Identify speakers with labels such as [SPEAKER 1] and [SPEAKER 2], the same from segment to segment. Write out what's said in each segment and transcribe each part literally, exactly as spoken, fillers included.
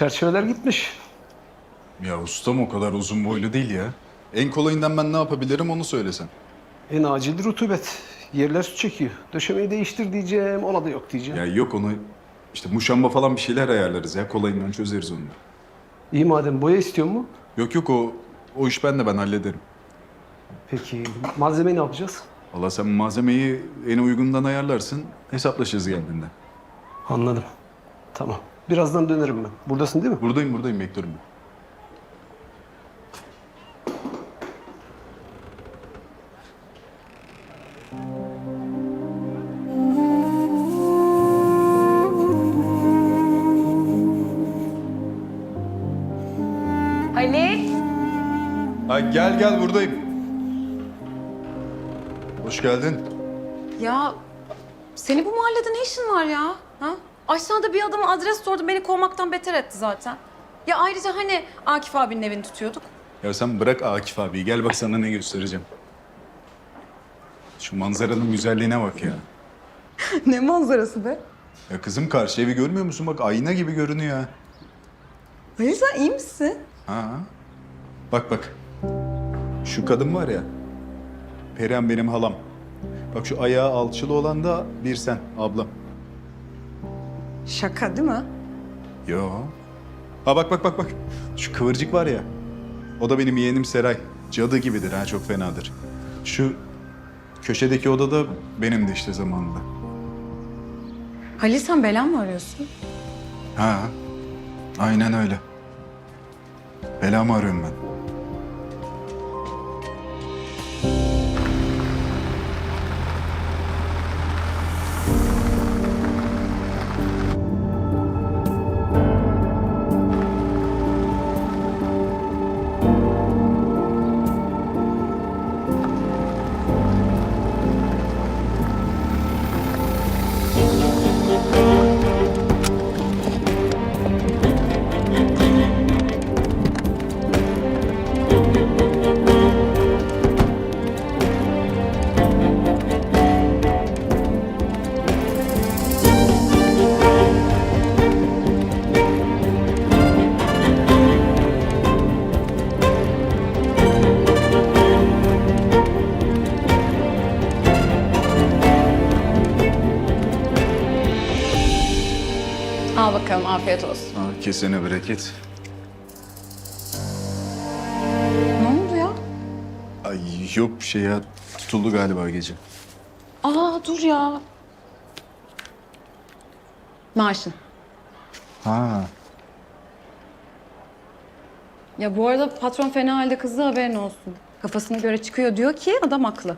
[SPEAKER 1] Çerçeveler gitmiş.
[SPEAKER 2] Ya ustam o kadar uzun boylu değil ya. En kolayından ben ne yapabilirim onu söylesen.
[SPEAKER 1] En acil rutubet. Yerler su çekiyor. Döşemeyi değiştir diyeceğim, ona da yok diyeceğim.
[SPEAKER 2] Ya yok onu işte muşamba falan bir şeyler ayarlarız ya. Kolayından çözeriz onu.
[SPEAKER 1] İyi madem, boya istiyor mu?
[SPEAKER 2] Yok yok o o iş ben de ben hallederim.
[SPEAKER 1] Peki malzemeyi ne yapacağız?
[SPEAKER 2] Valla sen malzemeyi en uygundan ayarlarsın. Hesaplaşırız geldiğinde.
[SPEAKER 1] Anladım. Tamam. Birazdan dönerim ben. Buradasın değil mi?
[SPEAKER 2] Buradayım buradayım bekliyorum ben.
[SPEAKER 3] Ali.
[SPEAKER 2] Ha, gel gel buradayım. Hoş geldin.
[SPEAKER 3] Ya senin bu mahallede ne işin var ya? Ha? Aşağıda bir adama adres sordu, beni kovmaktan beter etti zaten. Ya ayrıca hani Akif abinin evini tutuyorduk.
[SPEAKER 2] Ya sen bırak Akif abi. Gel bak sana ne göstereceğim. Şu manzaranın güzelliğine bak ya.
[SPEAKER 3] Ne manzarası be?
[SPEAKER 2] Ya kızım karşı evi görmüyor musun? Bak ayna gibi görünüyor ha.
[SPEAKER 3] Ali sen iyi misin?
[SPEAKER 2] Ha. Bak bak. Şu kadın var ya. Perihan benim halam. Bak şu ayağı alçılı olan da bir sen ablam.
[SPEAKER 3] Şaka değil mi?
[SPEAKER 2] Yo. Ha bak bak bak bak. Şu kıvırcık var ya. O da benim yeğenim Seray. Cadı gibidir ha, çok fenadır. Şu köşedeki oda da benimdi işte zamanında.
[SPEAKER 3] Halil sen bela mı arıyorsun?
[SPEAKER 2] Ha. Aynen öyle. Belamı arıyorum ben.
[SPEAKER 3] Al bakalım, afiyet olsun.
[SPEAKER 2] Ha, kesene bereket.
[SPEAKER 3] Ne oldu ya?
[SPEAKER 2] Ay yok bir şey ya. Tutuldu galiba gece.
[SPEAKER 3] Aa dur ya. Maaşın.
[SPEAKER 2] Ha.
[SPEAKER 3] Ya bu arada patron fena halde kızdı, haberin olsun. Kafasına göre çıkıyor diyor ki adam haklı.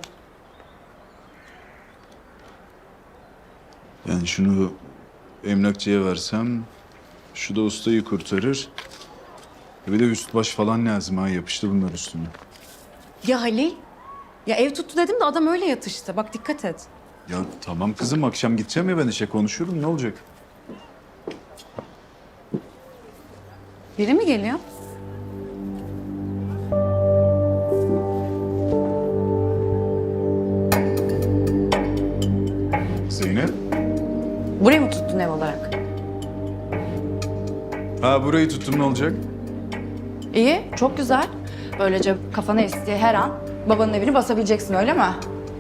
[SPEAKER 2] Yani şunu emlakçıya versem, şu da ustayı kurtarır. Bir de üst baş falan lazım ha, yapıştı bunlar üstüne.
[SPEAKER 3] Ya Halil, ya ev tuttu dedim de adam öyle yatıştı. Bak dikkat et.
[SPEAKER 2] Ya tamam kızım, akşam gideceğim ya ben işe, konuşurum, ne olacak?
[SPEAKER 3] Biri mi geliyor?
[SPEAKER 2] Zeynep?
[SPEAKER 3] Burayı mı tuttun ev olarak?
[SPEAKER 2] Ha burayı tuttum, ne olacak?
[SPEAKER 4] İyi, çok güzel. Böylece kafana estiği her an babanın evini basabileceksin, öyle mi?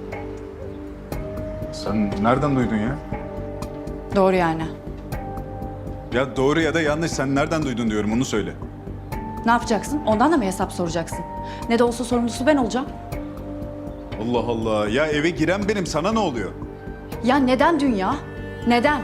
[SPEAKER 2] Sen nereden duydun ya?
[SPEAKER 4] Doğru yani.
[SPEAKER 2] Ya doğru ya da yanlış, sen nereden duydun diyorum, onu söyle.
[SPEAKER 4] Ne yapacaksın? Ondan da mı hesap soracaksın? Ne de olsa sorumlusu ben olacağım.
[SPEAKER 2] Allah Allah, ya eve giren benim, sana ne oluyor?
[SPEAKER 4] Ya neden dünya? Neden?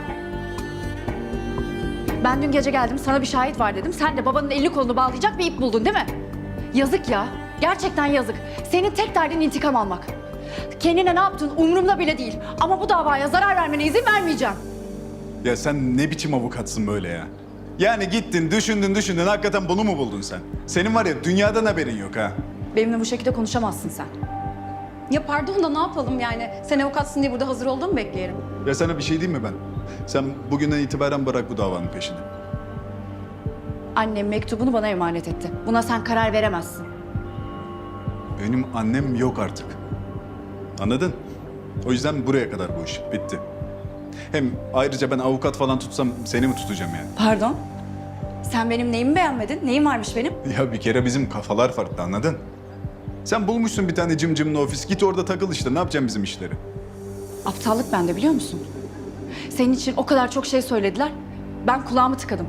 [SPEAKER 4] Ben dün gece geldim, sana bir şahit var dedim. Sen de babanın elini kolunu bağlayacak bir ip buldun değil mi? Yazık ya. Gerçekten yazık. Senin tek derdin intikam almak. Kendine ne yaptın umurumda bile değil. Ama bu davaya zarar vermene izin vermeyeceğim.
[SPEAKER 2] Ya sen ne biçim avukatsın böyle ya? Yani gittin, düşündün, düşündün, hakikaten bunu mu buldun sen? Senin var ya, dünyadan haberin yok ha.
[SPEAKER 4] Benimle bu şekilde konuşamazsın sen.
[SPEAKER 3] Ya pardon da ne yapalım yani? Sen avukatsın diye burada hazır olduğumu bekleyelim.
[SPEAKER 2] Ya sana bir şey diyeyim mi ben? Sen bugünden itibaren bırak bu davanın peşini.
[SPEAKER 4] Annem mektubunu bana emanet etti. Buna sen karar veremezsin.
[SPEAKER 2] Benim annem yok artık. Anladın? O yüzden buraya kadar bu iş. Bitti. Hem ayrıca ben avukat falan tutsam seni mi tutacağım yani?
[SPEAKER 4] Pardon? Sen benim neyimi beğenmedin? Neyim varmış benim?
[SPEAKER 2] Ya bir kere bizim kafalar farklı, anladın? Sen bulmuşsun bir tane cımcımlı ofis. Git orada takıl işte. Ne yapacaksın bizim işleri?
[SPEAKER 4] Aptallık bende, biliyor musun? Senin için o kadar çok şey söylediler. Ben kulağımı tıkadım.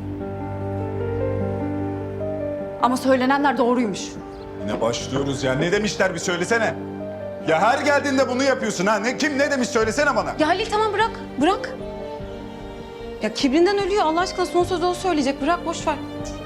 [SPEAKER 4] Ama söylenenler doğruymuş.
[SPEAKER 2] Yine başlıyoruz ya. Ne demişler bir söylesene. Ya her geldiğinde bunu yapıyorsun ha. Ne, kim ne demiş söylesene bana.
[SPEAKER 3] Ya Halil tamam bırak, bırak. Ya kibrinden ölüyor Allah aşkına, son sözü o söyleyecek. Bırak, boş ver.